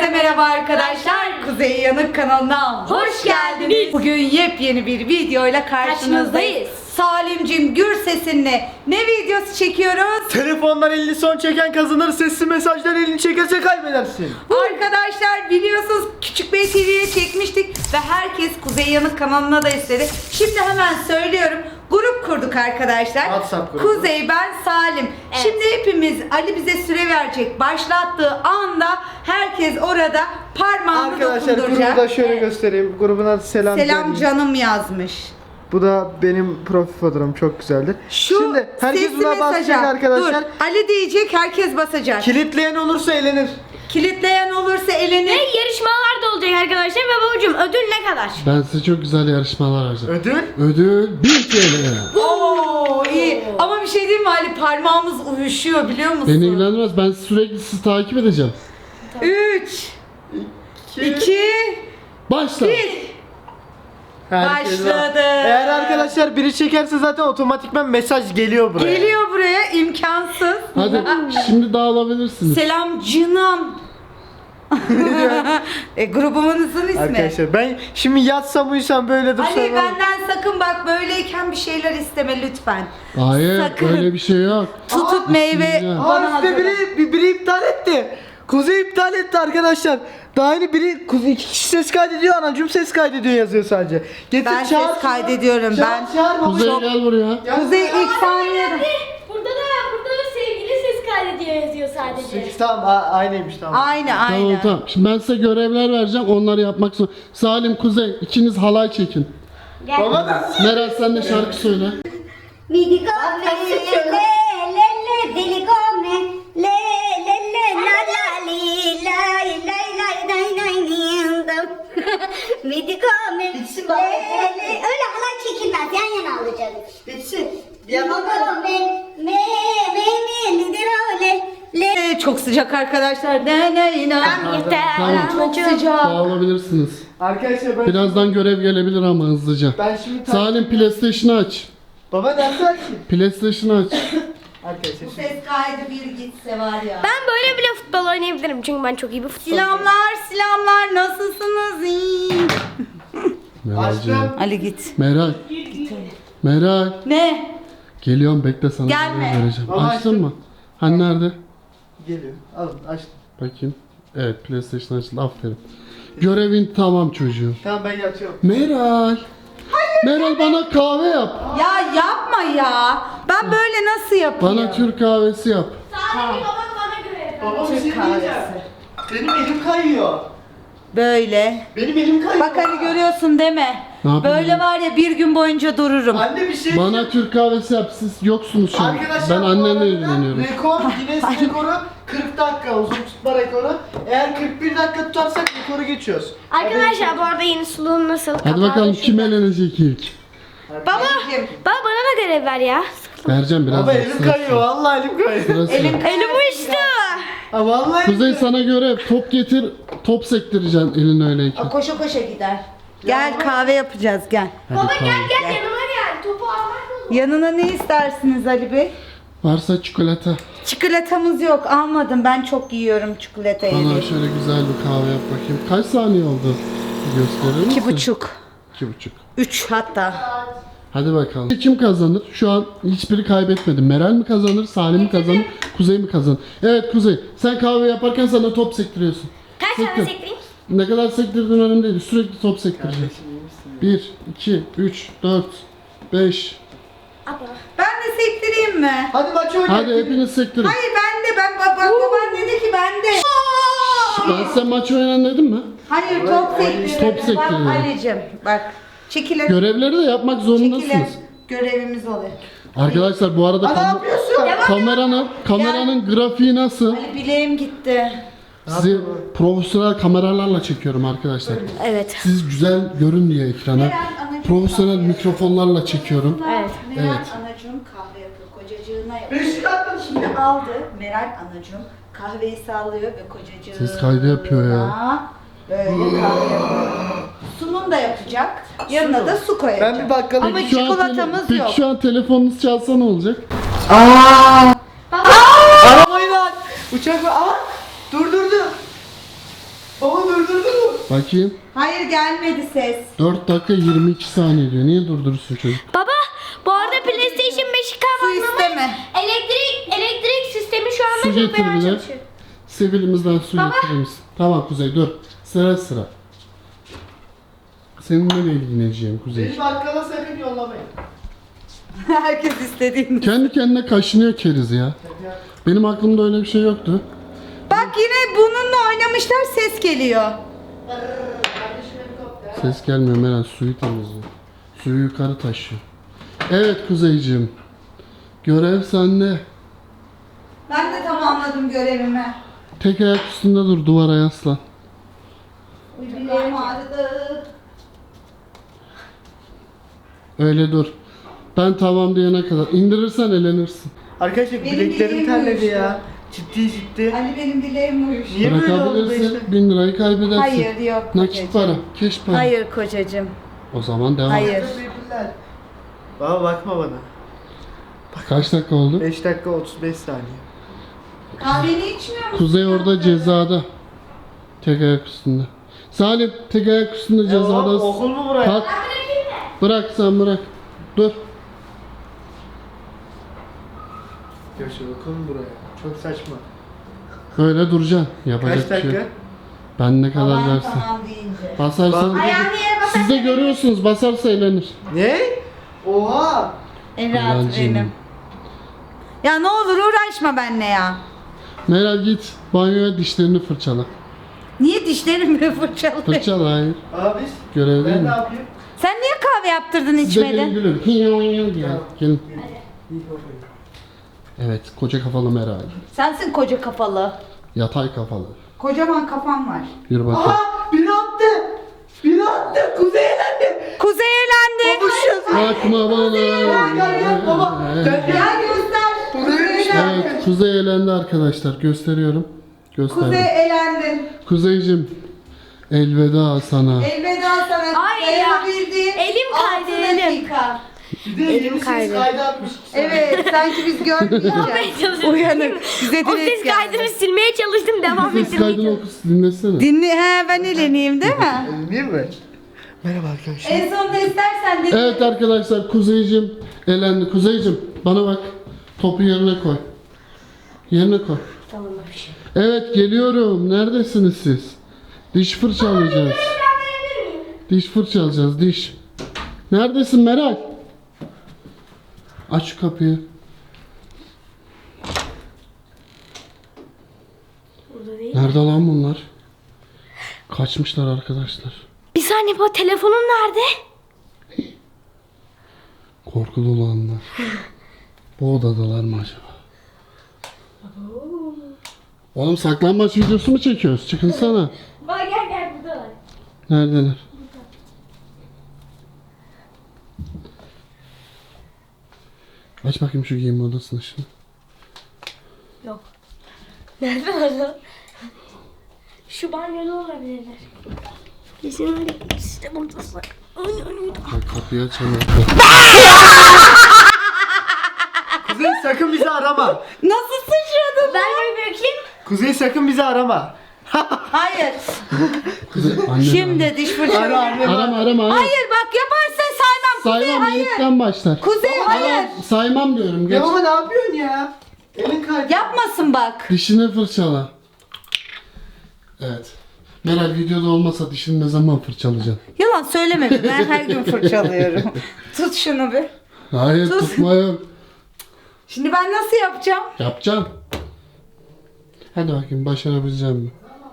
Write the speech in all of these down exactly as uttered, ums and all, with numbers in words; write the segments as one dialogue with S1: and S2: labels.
S1: Herkese merhaba arkadaşlar. Kuzey Yanık kanalına hoş geldiniz. Bugün yepyeni bir videoyla karşınızdayız. Salimcim Gürses'inle ne videosu çekiyoruz?
S2: Telefondan elini son çeken kazanır, sesli mesajdan elini çekerse kaybedersin.
S1: Arkadaşlar biliyorsunuz Küçük Bey T V'ye çekmiştik ve herkes Kuzey Yanık kanalına da istedi. Şimdi hemen söylüyorum. Grup kurduk arkadaşlar.
S2: WhatsApp grubu.
S1: Kuzey, ben, Salim.
S3: Evet.
S1: Şimdi hepimiz, Ali bize süre verecek. Başlattığı anda herkes orada parmağını
S2: Arkadaşlar
S1: dokunduracak.
S2: grubu da şöyle göstereyim. Grubun adı Selam,
S1: Selam
S2: Canım.
S1: canım yazmış.
S2: Bu da benim profil fotoğrafım, çok güzeldir.
S1: Şu
S2: Şimdi herkes
S1: sesli
S2: buna basacak
S1: mesaja.
S2: arkadaşlar.
S1: Dur, Ali diyecek, herkes basacak.
S2: Kilitleyen olursa elenir.
S1: Kilitleyen olursa elenir.
S3: Ve yarışmalar da olacak arkadaşlar ve babacığım ödül ne kadar?
S4: Ben size çok güzel yarışmalar vereceğim.
S2: Ödül?
S4: Ödül bin T L.
S1: Oo iyi. Ama bir şey diyeyim mi Ali, parmağımız uyuşuyor biliyor musun?
S4: Beni ilgilendirmez. Ben sürekli sizi takip edeceğim.
S1: üç, iki,
S4: Başla.
S1: bir.
S2: Herkes
S1: Başladı.
S2: var. Eğer arkadaşlar biri çekerse zaten otomatikman mesaj geliyor buraya.
S1: Geliyor buraya, imkansız.
S4: Hadi şimdi dağılabilirsiniz.
S1: Selam canım. e, grubumuzun ismi.
S2: Arkadaşlar ben şimdi yatsam uyusam böyle dursam.
S1: Ali benden sakın bak, böyleyken bir şeyler isteme lütfen.
S4: Hayır,
S1: Sakın.
S4: öyle bir şey yok.
S1: Tutup meyve
S4: bismillah.
S1: bana
S2: Aa işte
S1: hazırla.
S2: biri, bir- biri iptal etti. Kuzey iptal etti arkadaşlar. Daha yeni biri Kuzey iki kişi ses kaydediyor, anacığım ses kaydediyor yazıyor sadece. Getir
S1: Ben
S2: çağır.
S1: ses kaydediyorum,
S2: Çağır,
S1: ben-
S2: Çağır, baba.
S4: Kuzey gel buraya.
S2: Ya-
S1: Kuzey ilk saniyede.
S3: Burada da burada da sevgili ses kaydediyor yazıyor sadece.
S2: Sekiz, tamam a- aynıymış tamam.
S1: Aynı
S4: Tamam
S1: aynı.
S4: tamam. Şimdi ben size görevler vereceğim. Onları yapmak zorunda. Salim, Kuzey ikiniz halay çekin.
S2: Baba da
S4: Meral sen de şarkı söyle.
S5: Mi dico me, le, le, le, dili come, le, le, le, la, la, li, la, la, la, la, la, la, mi dico me, le, le, öyle halay çekilmez, yan yana alacaksın. Bitsin. Mi dico me, me, me, me, li, di, lo, le, le.
S1: Ee, Çok sıcak arkadaşlar. Ne ne ne.
S4: Tamam.
S1: Çok sıcak.
S4: Dağılabilirsiniz.
S2: arkadaşlar ben
S4: Birazdan görev gelebilir ama hızlıca.
S2: ben şimdi ta-
S4: Salim PlayStation'ı aç.
S2: Baba dersi açayım.
S4: PlayStation'ı aç.
S2: Arkadaşlar
S1: Bu
S2: şimdi-
S1: ses kaydı bir gitse var ya.
S3: Ben böyle bile futbol oynayabilirim çünkü ben çok iyi bir futbolcuyum.
S1: Selamlar selamlar, nasılsınız? İyi.
S4: Meral'cığım.
S2: Açtım.
S1: Ali git.
S4: Meral. Meral.
S1: Ne?
S4: Geliyorum, bekle sana
S1: Gelme.
S4: görev vereceğim.
S2: Baba,
S4: Açtın
S2: açtım.
S4: mı? Hani nerede?
S2: Geliyor. Alın açtım.
S4: Bakayım. Evet, PlayStation açıldı. Aferin. Görevin tamam çocuğum.
S2: Tamam ben yatıyorum.
S4: Meral. Meral bana kahve yap.
S1: Ya yapma ya. Ben böyle nasıl yapayım?
S4: Bana Türk kahvesi yap.
S3: Sadece babam bana göre.
S2: Baba bir
S1: Türk
S2: şey
S1: kahvesi.
S2: diyeceğim. Benim elim kayıyor.
S1: Böyle.
S2: Benim elim kayıyor.
S1: Bak Ali, görüyorsun değil mi?
S4: Ne yapayım
S1: Böyle
S4: ya?
S1: var ya, bir gün boyunca dururum.
S2: Anne bir şey
S4: Bana Türk kahvesi yap. Siz yoksunuz şu an.
S2: Arkadaşlar
S4: Ben
S2: bu arada
S4: annenle ilgileniyorum.
S2: Rekor, Guinness rekoru kırk dakika uzun tutma rekoru. Eğer kırk bir dakika tutarsak rekoru geçiyoruz.
S3: Arkadaşlar bu arada yeni suluğum nasıl?
S4: Hadi bakalım kim eğlenecek ilk.
S3: Baba,
S1: Anneciğim,
S3: baba bana da görev ver ya.
S4: Vereceğim biraz.
S2: Baba elim kayıyor, vallahi elim kayıyor.
S4: Sırası.
S1: elim
S3: Elim uçtu.
S2: Ha vallahi elim
S4: Kuzey
S2: kayıyor.
S4: sana görev. Top getir. Top sektireceksin elin öyleyken.
S1: koşa koşa gider. Gel kahve yapacağız, gel.
S4: Hadi
S3: Baba
S4: kahve.
S3: gel gel yanıma gel. Topu almak lazım.
S1: Yanına ne istersiniz Ali Bey?
S4: Varsa çikolata.
S1: Çikolatamız yok, almadım. Ben çok yiyorum çikolatayı.
S4: Bana şöyle güzel bir kahve yap bakayım. Kaç saniye oldu? Bir gösterir misin?
S1: İki buçuk.
S4: İki buçuk.
S1: Üç hatta.
S4: Hadi bakalım. Kim kazanır? Şu an hiçbiri kaybetmedi. Meral mi kazanır? Salim mi kazanır? Kuzey mi kazanır? Evet Kuzey. Sen kahve yaparken sana top sektiriyorsun.
S3: Kaç tane
S4: Sektir.
S3: sektireyim?
S4: Ne kadar sektirdiğin önemli değil. Sürekli top sektireceksin. bir, iki, üç, dört, beş.
S3: Abla.
S1: Ben de sektireyim mi?
S2: Hadi maç oynayalım.
S4: Hadi hepiniz sektirin.
S1: Hayır ben de, ben bak bak baban dedi ki ben de.
S4: Ben size maç oynan dedim mi?
S1: Hayır, top sektirdim.
S4: Top sektirdim.
S1: Bak Ali'cim bak. Çekilir.
S4: Görevleri de yapmak
S1: Çekilir.
S4: zorundasınız.
S1: Görevimiz oluyor.
S4: Arkadaşlar bu arada
S2: Ha, ne
S4: kam-
S2: yapıyorsun?
S4: kameranın kameranın grafiği nasıl?
S1: Ali bileğim gitti.
S4: Sizi profesyonel kameralarla çekiyorum arkadaşlar.
S3: Evet.
S4: Siz güzel görün diye ekrana. Profesyonel mikrofonlarla çekiyorum.
S3: Evet.
S1: Meral
S4: Evet.
S1: anacığım kahve yapıyor. Kocacığına yapıyor.
S2: Beşik attın şimdi.
S1: Şimdi aldı Meral anacığım kahveyi sallıyor ve kocacığına
S4: Ses kaydı yapıyor ya.
S1: böyle kahve yapıyor. Sunum da yapacak. Yanına da su koyacak.
S2: Ben bir bakalım.
S1: Ama
S4: Peki şu an tele-
S1: çikolatamız
S4: Peki
S1: yok.
S4: şu an telefonunuz çalsa ne olacak?
S2: Arabayı lan. Uçak var. Aa! Dur dur dur.
S4: Bakayım.
S1: Hayır gelmedi ses.
S4: dört dakika yirmi iki saniye diyor. Niye durdurursun çocuk?
S3: Baba bu arada PlayStation beşi
S1: Su
S3: kapanmamış.
S1: isteme.
S3: Elektrik elektrik sistemi şu anda
S4: Su
S3: çok
S4: getir
S3: fena
S4: bir de.
S3: çalışıyor.
S4: Sevilimizden su getirir misin? Tamam Kuzey dur. Sıra sıra. Seninle de ilgileneceğim Kuzey.
S2: Beni bakkala sakın yollamayın.
S1: Herkes istediğini.
S4: Kendi kendine kaşınıyor keriz ya. Benim aklımda öyle bir şey yoktu.
S1: Bak yine bununla oynamışlar ses geliyor.
S4: Ses gelmiyor Meral, suyu temizliyor. Suyu yukarı taşıyor. Evet Kuzeyciğim. Görev sende.
S1: Ben de tamamladım görevimi.
S4: Tek ayak üstünde dur, duvara yaslan.
S1: Bileğim ağrıdı.
S4: Öyle dur. Ben tamam diyene kadar. İndirirsen elenirsin.
S2: Arkadaşlar
S1: Benim
S2: bileklerim
S1: bileğim
S2: terledi
S1: uyuştu.
S2: ya. Ciddi ciddi.
S1: Ali benim dileğim uyuş.
S2: Niye böyle oldu
S4: Bırakabilirsin.
S2: işte?
S4: Bin lirayı kaybedersin.
S1: Hayır yok
S4: Nakit
S1: kocacığım.
S4: para, keş para.
S1: Hayır kocacığım.
S4: O zaman devam.
S1: Hayır.
S2: Teşekkürler. Baba bakma bana.
S4: Kaç dakika oldu?
S2: beş dakika otuz beş saniye.
S1: Kahveni içmiyor musun?
S4: Kuzey orada cezada. Tek ayak üstünde. Salim tek ayak üstünde
S2: Ya
S4: cezada.
S2: oğlum, okul mu buraya?
S4: Kalk. Bırak sen bırak. Dur.
S2: Göçer okul mu buraya? Çok saçma.
S4: Böyle duracaksın.
S2: Kaç
S4: Yapacak bir şey
S2: dakika?
S4: yok. Ben ne kadar
S1: Tamam
S4: dersin.
S1: tamam deyince.
S4: Basarsan.
S2: Bak-
S1: Ayağını yere basar.
S4: Siz de görüyorsunuz basarsa eğlenir.
S2: Ne? Oha!
S1: En rahat
S4: Melalciğim.
S1: benim. Ya ne olur uğraşma benimle ya.
S4: Meral git banyoya dişlerini fırçala.
S1: Niye dişlerimi fırçalıyor?
S4: Fırçala hayır.
S2: Abi
S4: Görev değil
S2: ben ne
S4: mi?
S2: yapayım?
S1: Sen niye kahve yaptırdın
S4: Siz de gelin
S1: içmedin?
S4: gülün. Hiyo hiyo diye. Gelin. Evet koca kafalı Meral.
S1: Sensin koca kafalı.
S4: Yatay kafalı.
S1: Kocaman kafam var.
S4: Yürü bakayım.
S2: Aha! Biri attı! Biri attı! Kuzey elendi!
S1: Kuzey eğlendi.
S4: Bakma bana.
S2: Gel gel gel baba! Gel gel!
S1: Ya göster. Kuzey elendi.
S4: Evet Kuzey elendi arkadaşlar. Gösteriyorum. Gösterdim.
S1: Kuzey elendin.
S4: Kuzeycim elveda sana.
S1: Elveda sana.
S3: Ay ya.
S1: Dayanabildiğin
S3: Elim
S1: altı
S3: kaydı, elim.
S1: dakika.
S2: Bir de elimi
S3: kaydı.
S2: kaydı atmış.
S1: Evet sanki biz görmeyeceğiz.
S3: çalışıyorum.
S1: Uyanık. Bize
S3: O
S1: dilek
S3: ses
S1: geldi.
S3: kaydını silmeye çalıştım devam
S4: Ses
S3: ettirmeye
S4: kaydını
S3: çalıştım.
S4: oku dinlesene.
S1: Dinle, he ben eleneyim değil mi?
S2: Değil mi? Merhaba arkadaşlar.
S1: En sonunda istersen de.
S4: Evet arkadaşlar Kuzeycim elendi. Kuzeycim bana bak. Topu yerine koy. Yerine koy.
S3: Tamam abi.
S4: Evet geliyorum. Neredesiniz siz? Diş fırçalayacağız. Diş fırçalayacağız diş. Neredesin Meral? Aç şu kapıyı.
S3: Burada değil.
S4: Nerede lan bunlar? Kaçmışlar arkadaşlar.
S3: Bir saniye baba telefonun nerede?
S4: Korkulu olanlar. Bu odadalar mı acaba? Oğlum saklanmaç videosu mu çekiyoruz? Çıkınsana.
S3: Bak gel gel burada var.
S4: Neredeler? Aç bakayım şu giyinme odasını şimdi.
S3: Yok. Nerede var? Şu banyoda olabilirler. Kesin öyle. İşte buradasın. Ay ay ay.
S4: Bak kapıyı açalım.
S2: Kuzey sakın bizi arama.
S1: Nasıl sıçradın?
S3: Ben bir bakayım.
S2: Kuzey sakın bizi arama.
S1: Hayır.
S4: Kuzey, anne
S1: Şimdi diş fırçalı.
S2: Ara anne.
S4: Arama arama. arama.
S1: Hayır bak yaparsan saymam. Kuzey
S4: Saymam
S1: hayır.
S4: ilkten başlar.
S1: Kuzey hayır.
S4: Arama, saymam diyorum. Geç.
S2: Ya baba ne yapıyorsun ya? Elin kaydı.
S1: Yapmasın bak.
S4: Dişini fırçala. Evet. Meral videoda olmasa dişini ne zaman fırçalayacaksın?
S1: Yalan söyleme bir. Ben her gün fırçalıyorum. Tut şunu bir.
S4: Hayır
S1: Sus.
S4: tutma yok.
S1: Şimdi ben nasıl yapacağım?
S4: Yapacağım. Hadi bakayım başarabileceğim mi?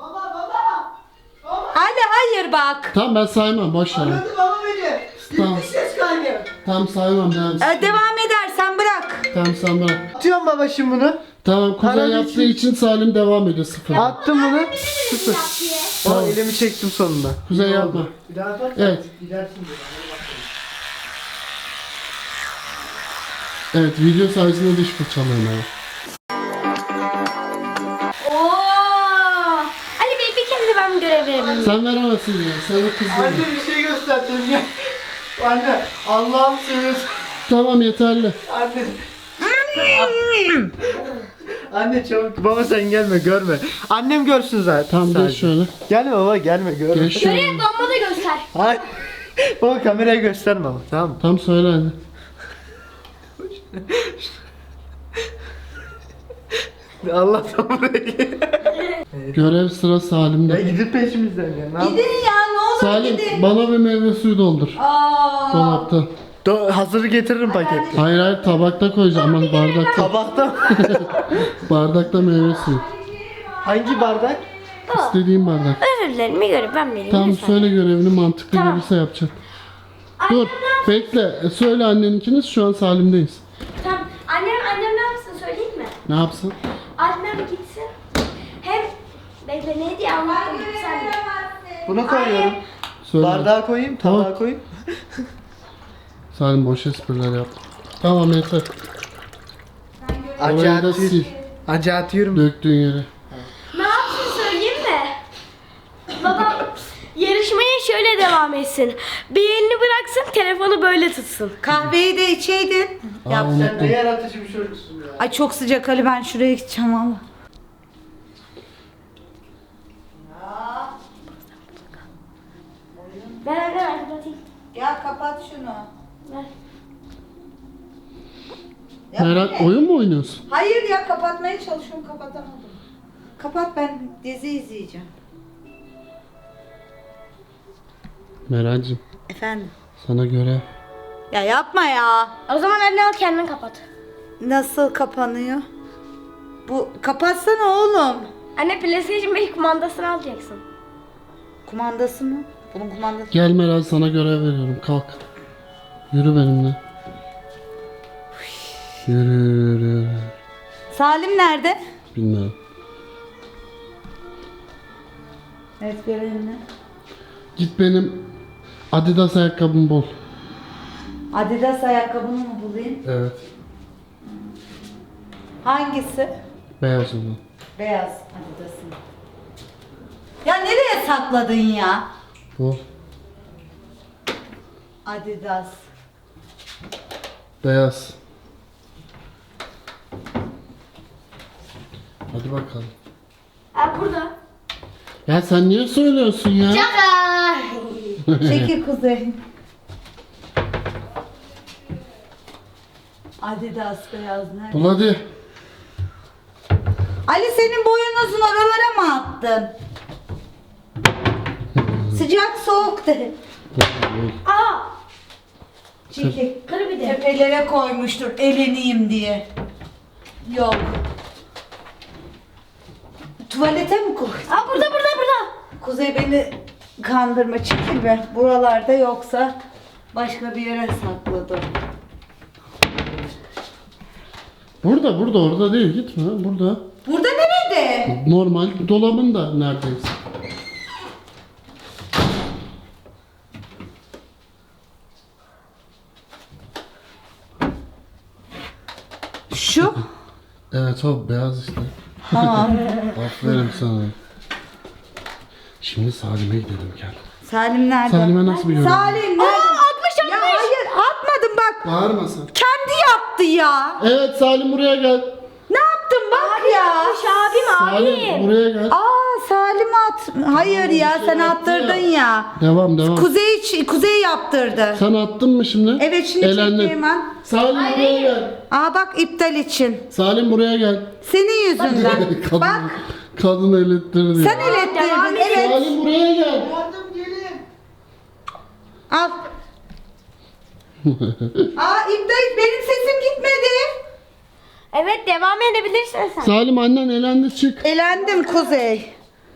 S1: Ali hayır bak.
S4: Tamam ben saymam boş ver.
S2: Aradı baba beni.
S4: Tamam.
S2: Gitti ses kaydı.
S4: Tamam saymam devam.
S1: Ee, devam edersen bırak.
S4: Tamam sen bırak.
S2: Atıyorum baba şimdi bunu.
S4: Tamam Kuzey
S2: Aradı
S4: yaptığı
S2: için-
S4: için Salim devam ediyor sıfır.
S2: Attım bunu. Sıfır.
S4: Tamam.
S2: Baba elimi çektim sonunda.
S4: Kuzey
S2: İyi
S4: yapma.
S2: oldu. Bir daha atarsan
S4: Evet.
S2: gidersin diye.
S4: Evet video sayesinde diş fırçalıyorum abi.
S3: Oo. Ali Bey bir kere de ben görev verebilirim.
S4: Sen veremezsin ya. Sen de kız
S2: Anne
S4: değil.
S2: bir şey gösterdim ya. Anne Allah'ım seviyorsun.
S4: Tamam yeterli.
S2: Anne. Anne çabuk. Baba sen gelme görme. Annem görsün zaten.
S4: Tamam
S2: sadece.
S4: geç şöyle.
S2: Gelme baba gelme görme.
S4: Geç şöyle.
S3: Şöyle babama da göster.
S2: Hayır. Baba kameraya gösterme baba tamam mı?
S4: Tam söyle hadi.
S2: Allah'tan buraya.
S4: Görev sıra
S2: Ya
S4: Salim'de.
S2: gidip peşimizden ya. Ne yap-
S1: Gidin ya ne olur
S4: Salim
S1: gidin.
S4: bana bir meyve suyu doldur.
S1: Aa.
S4: Dolapta.
S2: Do- hazırı getiririm paketli.
S4: Hayır hayır tabakta koyacağım. Aman bardakta.
S2: Tabakta.
S4: Bardakta meyve suyu.
S2: Hangi bardak?
S4: İstediğim bardak.
S3: Özür dilerim bir görev ben vereyim.
S4: Tamam
S3: lütfen.
S4: söyle görevini mantıklı
S3: Tamam.
S4: gelirse yapacağım. Dur bekle. E, Söyle anneninkiniz şu an Salim'deyiz.
S3: Tamam. Annem, annem ne yapsın söyleyeyim mi?
S4: Ne yapsın?
S3: Annem gitsin. Hem bekle ne diye anlattım sen de.
S2: Bunu koyuyorum.
S4: Söyle.
S2: Bardağa koyayım, tabağa
S4: Tamam.
S2: koyayım.
S4: Salim boş espriler yaptı. Tamam yeter.
S2: Acı
S4: Orayı da
S2: atıyor.
S4: sil.
S2: Acı atıyorum.
S4: Döktüğün yere.
S3: Ne yapsın söyleyeyim mi? Babam yarışmaya şöyle devam etsin. Bir elini bıraksın telefonu böyle tutsun.
S1: Kahveyi de içeydin.
S4: Aa,
S1: Yaptın.
S4: unuttum.
S2: Ne yaratıcı bir çocuksun ya.
S1: Ay çok sıcak Ali ben şuraya gideceğim valla.
S3: Ben anne kapatayım.
S1: Ya kapat şunu.
S3: Ver.
S1: Ya
S4: Meral
S1: bu ne?
S4: oyun mu oynuyorsun?
S1: Hayır ya kapatmaya çalışıyorum kapatamadım. Kapat ben dizi izleyeceğim.
S4: Meral'cim
S1: Efendim?
S4: sana görev.
S1: Ya yapma ya.
S3: O zaman anne al kendin kapat.
S1: Nasıl kapanıyor? Bu kapatsana oğlum.
S3: Anne PlayStation beş kumandasını alacaksın.
S1: Kumandası mı? Bunun kumandası.
S4: Gel Meral sana görev veriyorum kalk. Yürü benimle. Yürü yürü yürü.
S1: Salim nerede?
S4: Bilmiyorum.
S1: Evet görevini.
S4: Git benim Adidas ayakkabımı bul.
S1: Adidas ayakkabını mı bulayım?
S4: Evet.
S1: Hangisi?
S4: Beyaz olan.
S1: Beyaz Adidas'ın. Ya nereye sakladın ya?
S4: Bul.
S1: Adidas.
S4: Beyaz. Hadi bakalım.
S3: Ha burada.
S4: Ya sen niye söylüyorsun ya?
S1: Çekil kuzey. Adidas beyaz nerede?
S4: Bul hadi.
S1: Ali senin boyun uzun oralara mı attın? Sıcak soğuk de.
S3: Aa!
S1: Çekil.
S3: Kır bir de.
S1: Tepelere koymuştur eleneyim diye. Yok. Tuvalete mi koy?
S3: Aa burada burada burada.
S1: Kuzey beni kandırma çekil be. Buralarda yoksa başka bir yere sakladım.
S4: Burada burada orada değil gitme burada.
S1: Burada nerede?
S4: Normal dolabın da neredeyse.
S1: Şu.
S4: Evet o beyaz işte.
S1: Tamam.
S4: Aferin sana. Şimdi Salim'e gidelim gel.
S1: Salim nerede?
S4: Salim'e nasıl bir yorum?
S1: Salim nerede?
S3: atmış,
S1: Ya hayır atmadım bak.
S4: Bağırma sen.
S1: Kendi yaptı ya.
S4: Evet Salim buraya gel.
S1: Ne yaptın bak ya.
S3: abim
S4: Salim buraya gel.
S1: Aa Salim at. Hayır ya sen attırdın ya.
S4: Devam devam.
S1: Kuzey Kuzey yaptırdı.
S4: Sen attın mı şimdi?
S1: Evet şimdi
S4: Elendin.
S1: çekti hemen.
S4: Salim buraya gel.
S1: Aa bak iptal için.
S4: Salim buraya gel.
S1: Senin yüzünden.
S4: kadın,
S1: Bak
S4: kadın elettirdi.
S1: sen
S4: ya.
S1: elettirdin. Evet.
S4: Salim buraya gel.
S1: Al. Aa iptal benim sesim gitmedi.
S3: Evet devam edebilirsin sen.
S4: Salim annen elendi çık.
S1: Elendim Kuzey.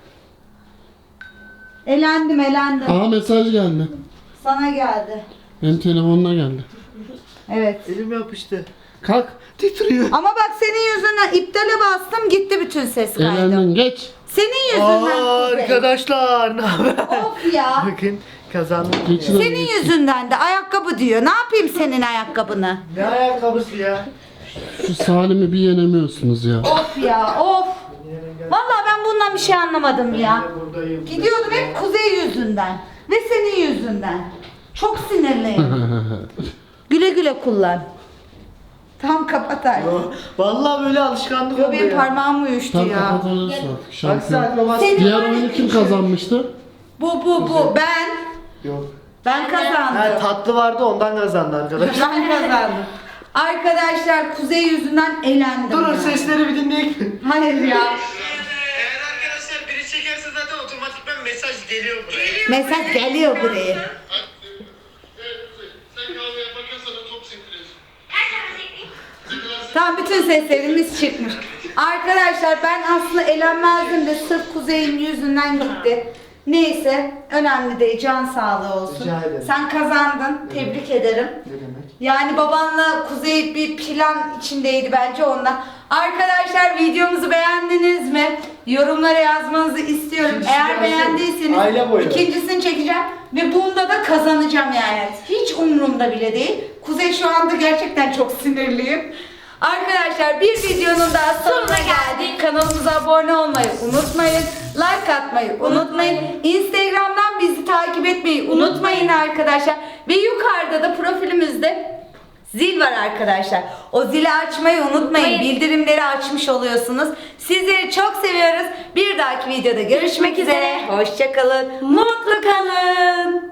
S1: Elendim elendim.
S4: Aa mesaj geldi.
S1: Sana geldi.
S4: Benim telefonuna geldi.
S1: Evet.
S2: Elim yapıştı. Kalk. Titriyor.
S1: Ama bak senin yüzünden iptale bastım gitti bütün ses kaydı.
S4: Elendin geç.
S1: Senin yüzünden
S2: Aa,
S1: Kuzey.
S2: arkadaşlar ne haber?
S1: Of ya.
S2: Bakın kazandım.
S4: Geçin hadi,
S1: Senin
S4: geçin.
S1: yüzünden de ayakkabı diyor. Ne yapayım senin ayakkabını?
S2: Ne ayakkabısı ya?
S4: Şu Salim'i bir yenemiyorsunuz ya.
S1: Of ya of. Vallahi ben bundan bir şey anlamadım ya.
S2: Buradayım.
S1: Gidiyordum hep Kuzey yüzünden. Ve senin yüzünden. Çok sinirliyim. Güle güle kullan. Tamam kapat artık.
S2: Yo, Vallahi böyle alışkanlık
S1: Yo
S2: oldu
S1: benim
S2: ya.
S1: parmağım uyuştu
S4: Tam
S1: ya.
S4: kapatabilirsin artık.
S2: Bak
S4: Şampiyon.
S2: sen babası.
S1: Senin-
S4: Diğer oyunu kim kazanmıştı?
S1: Bu bu bu ben.
S2: Yok.
S1: Ben kazandım.
S2: Ha, tatlı vardı ondan kazandı arkadaşlar.
S1: Ben kazandım. Arkadaşlar Kuzey yüzünden elendim.
S2: Durun
S1: ya.
S2: sesleri bir dinleyin.
S1: Hayır ya.
S6: Eğer arkadaşlar biri çekerse zaten otomatikman mesaj geliyor buraya.
S1: Mesaj geliyor buraya.
S4: Evet Kuzey. Sen kahve yaparken sana top sektiriyorsun.
S1: Tam bütün seslerimiz çıkmış. Arkadaşlar ben aslında elenmezdim de sırf Kuzey'in yüzünden gitti. Neyse önemli değil, can sağlığı olsun.
S2: Rica ederim.
S1: Sen kazandın, tebrik ederim.
S2: Ne demek?
S1: Yani babanla Kuzey bir plan içindeydi bence ondan. Arkadaşlar videomuzu beğendiniz mi? Yorumlara yazmanızı istiyorum.
S2: İkincisi
S1: Eğer
S2: gelsin.
S1: beğendiyseniz
S2: Aile boyu.
S1: ikincisini çekeceğim ve bunda da kazanacağım yani. Hiç umurumda bile değil. Kuzey şu anda gerçekten çok sinirliyim. Arkadaşlar bir videonun daha sonuna geldik. Kanalımıza abone olmayı unutmayın. Like atmayı unutmayın. Instagram'dan bizi takip etmeyi unutmayın arkadaşlar. Ve yukarıda da profilimizde zil var arkadaşlar. O zili açmayı unutmayın. Bildirimleri açmış oluyorsunuz. Sizleri çok seviyoruz. Bir dahaki videoda görüşmek üzere. Hoşça kalın. Mutlu kalın.